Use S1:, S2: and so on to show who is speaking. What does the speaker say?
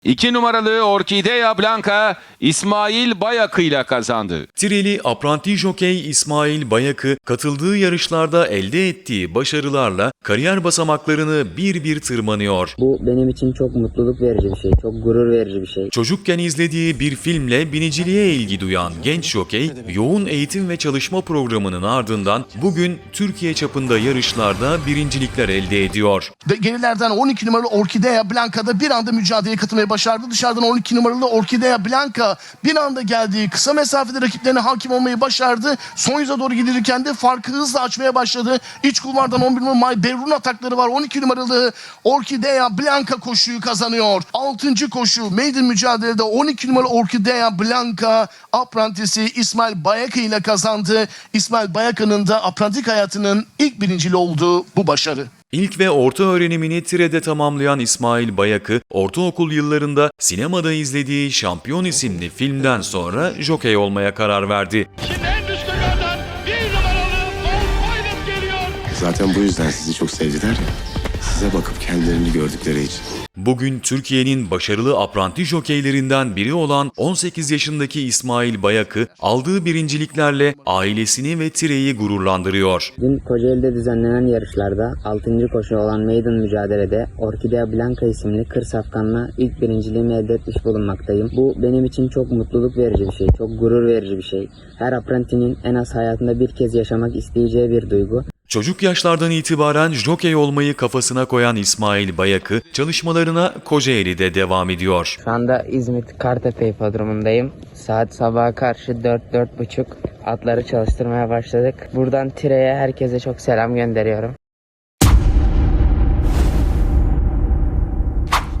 S1: 2 numaralı Orkidea Blanca İsmail Bayakı ile kazandı.
S2: Tireli apranti jokey İsmail Bayakı katıldığı yarışlarda elde ettiği başarılarla kariyer basamaklarını bir bir tırmanıyor.
S3: Bu benim için çok mutluluk verici bir şey, çok gurur verici bir şey.
S2: Çocukken izlediği bir filmle biniciliğe ilgi duyan genç jokey, yoğun eğitim ve çalışma programının ardından bugün Türkiye çapında yarışlarda birincilikler elde ediyor.
S4: Gerilerden 12 numaralı Orkidea Blanca'da bir anda mücadeleye katılmayı başardı. Dışarıdan 12 numaralı Orkidea Blanca bir anda geldiği kısa mesafede rakiplerine hakim olmayı başardı. Son yüze doğru gidilirken de farkı hızla açmaya başladı. İç kulvardan 11 numaralı May Berun atakları var. 12 numaralı Orkidea Blanca koşuyu kazanıyor. 6. koşu maiden mücadelede 12 numaralı Orkidea Blanca aprantisi İsmail Bayakı ile kazandı. İsmail Bayakı'nın da aprantik hayatının ilk birincili olduğu bu başarı.
S2: İlk ve orta öğrenimini Tire'de tamamlayan İsmail Bayakı, ortaokul yıllarında sinemada izlediği Şampiyon isimli filmden sonra jokey olmaya karar verdi.
S5: Şimdi en üstlerden 1 numaralı Paul Pilot geliyor.
S6: Zaten bu yüzden sizi çok sevdiler ya. Size bakıp kendilerini gördükleri için.
S2: Bugün Türkiye'nin başarılı apranti jokeylerinden biri olan 18 yaşındaki İsmail Bayakı, aldığı birinciliklerle ailesini ve Tire'yi gururlandırıyor.
S3: Dün Kocaeli'de düzenlenen yarışlarda 6. koşu olan maiden mücadelede Orkidea Blanca isimli kır safkanla ilk birinciliğimi elde etmiş bulunmaktayım. Bu benim için çok mutluluk verici bir şey, çok gurur verici bir şey. Her aprantinin en az hayatında bir kez yaşamak isteyeceği bir duygu.
S2: Çocuk yaşlardan itibaren jokey olmayı kafasına koyan İsmail Bayakı, çalışmalarına Kocaeli'de devam ediyor.
S3: Şu anda İzmit Kartepe hipodromundayım. Saat sabaha karşı 4-4.30 atları çalıştırmaya başladık. Buradan Tire'ye herkese çok selam gönderiyorum.